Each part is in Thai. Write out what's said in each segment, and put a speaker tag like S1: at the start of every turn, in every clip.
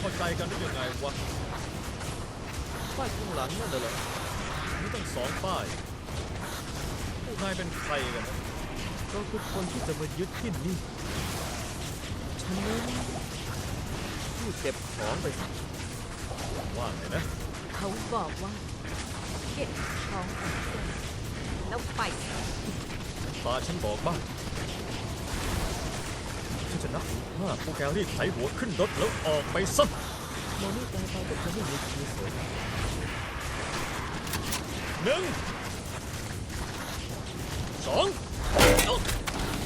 S1: เข้าใจกันได้ยังไงวะป้ายข้างหลังนั่นเหรอมีตั้ง2 ป้ายพวกนายเป็นใครกันนะเราคือคนที่จะมายึดที่นี่ฉันนั้นผู้เก็บของไปสิว่าไงนะ
S2: เขาบอกว่าเก็บของของแกแล้วไป
S1: ตาฉันบอกบ้างฉันจะนับถึง5พวกแกรีบไถหัวขึ้นรถแล้วออกไปซะมองนี่ตายไปก็จะไม่มีชีวิตสวย1 2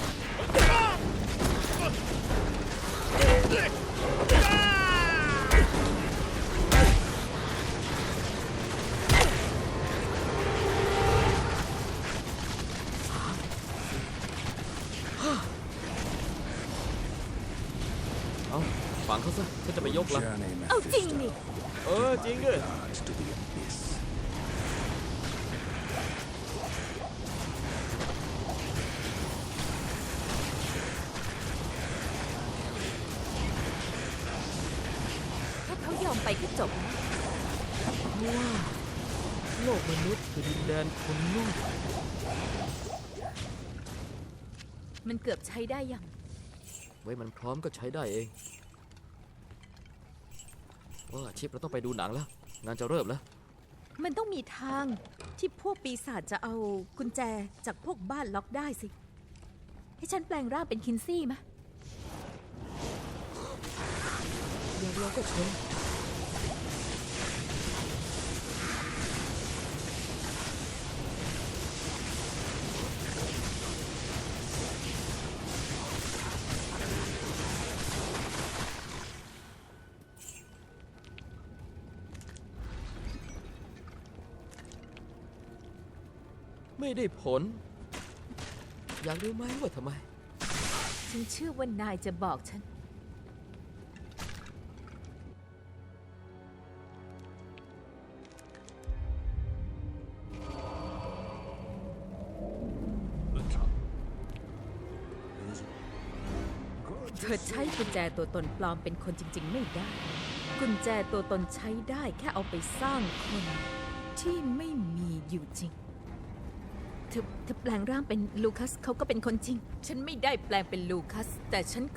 S1: เอาฝังเขาซะฉันจะไปยกละ
S2: เอาจริงนี่
S1: จริงด้วย
S3: to the abyss.
S2: ถ้าเขายอมไปก็จบนะ
S1: เพราะว่าโลกมนุษย์คือดินแดนคนโง่
S2: มันเกือบใช้ได้ยัง
S1: ไว้มันพร้อมก็ใช้ได้เองว่าชิปเราต้องไปดูหนังแล้ว งานจะเริ่มแล้ว
S2: มันต้องมีทางที่พวกปีศาจจะเอากุญแจจากพวกบ้านล็อกได้สิ ให้ฉันแปลงร่างเป็นคินซี่มะ
S1: อย่างเราก็เชิญไม่ได้ผล อยากรู้ไหมว่าทำไม
S2: ฉันเชื่อว่านายจะบอกฉัน
S3: The trap is
S2: เธอใช้กุญแจตัวตนปลอมเป็นคนจริงๆไม่ได้ กุญแจตัวตนใช้ได้แค่เอาไปสร้างคนที่ไม่มีอยู่จริง เธอแปลงร่างเป็นลูคัสเขาก็เป็นคนจริง ฉันไม่ได้แปลงเป็นลูคัส แต่ฉัน